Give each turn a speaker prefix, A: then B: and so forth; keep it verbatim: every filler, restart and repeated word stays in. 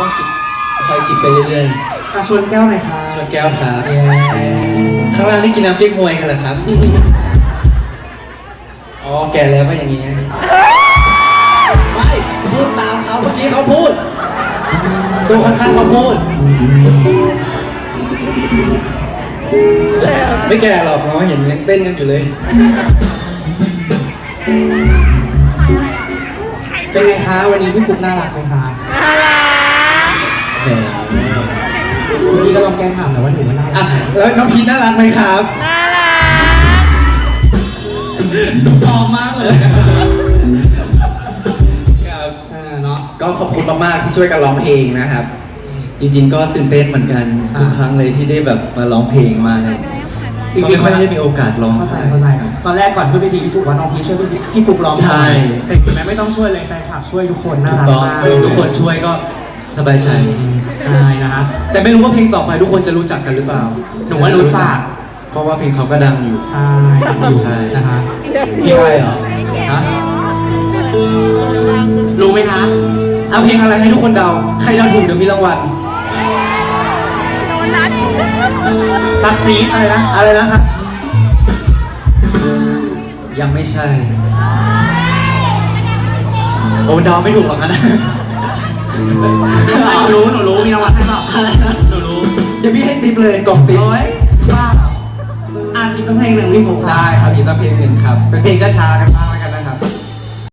A: จิบคอยจิบไปเรื่อย
B: อ่ะชวนแก้วหน่อยครับ
A: ๆชวนแก้วครับข้างล่างนี่กินน้ำเก๊กฮวยกันเหรอครับอ๋อแก่แล้วก็อย่างนี้ไม่พูดตามเขาเมื่อกี้เขาพูดตัวข้างๆเขาพูดไม่แก่หรอกน้องเห็นยังเต้นกันอยู่เลย
B: เป็นไงคะวันนี้พี่ฟุกน่ารักไหมคะ
A: แหม
B: พี่ก็ลองแกล้งถามแต่ว่าหนูว่าน่ารั
A: อ่ะ
B: ก
A: แล้วน้องพีทน่ารักไหมครับ
C: น่ารัก
B: พร้อมมากเลย
A: ครับ
B: อ่าเนาะ
A: ก็ขอบคุณมากๆที่ช่วยกันร้องเพลงนะครับ จริงๆก็ตื่นเต้นเหมือนกัน
B: ครับ
A: ทุกครั้งเลยที่ได้แบบมาร้องเพลงมาเลย
B: จริงๆ
A: ไม่ค่อยได้มีโอกาสร้อง
B: เข้าใจเข้าใจตอนแรกก่อนขึ้นเวทีพี่ฟุกว่าน้องพีช่วยพี่พี่ฟุกร้อง
A: ใช่
B: แต่คุณแม่ไม่ต้องช่วยเลยแฟนคลับช่วยทุกคนน่า
A: ถูก
B: รัก
A: ต้อง
B: มาก
A: ทุกคนช่วยก็สบายใจ
B: ใช่นะครับ
A: แต่ไม่รู้ว่าเพลงต่อไปทุกคนจะรู้จักกันหรือเปล่า
B: หนูว่ารู้จัก
A: เพราะว่าเพลงเขาก็ดังอยู่
B: ใช่อยู่
A: ใช่
B: นะคะ
A: เพลงอะไรเหรอฮะ
B: รู้ไหมคะ
A: เอาเพลงอะไรให้ทุกคนเดาใครเดาถูกเดี๋ยวมีรางวัล
B: ซักซีดอะไรนะ
A: อะไรนะครับยังไม่ใช่โอ้เดาไม่ถูกหรอกนะ
B: หนูรู้หนูรู้มีรางวัลให้เปล่าหนูรู้
A: เดี๋ยวพี่ให้ติ๊บเลยกล่องติ๊บ
B: โอ้ยว่าอ่านอีกสักเพลงหนึ่งพี่ฟุก
A: ได้ครับอีกสักเพลงหนึ่งครับ เป็นเพลงช้าๆกันบ้าง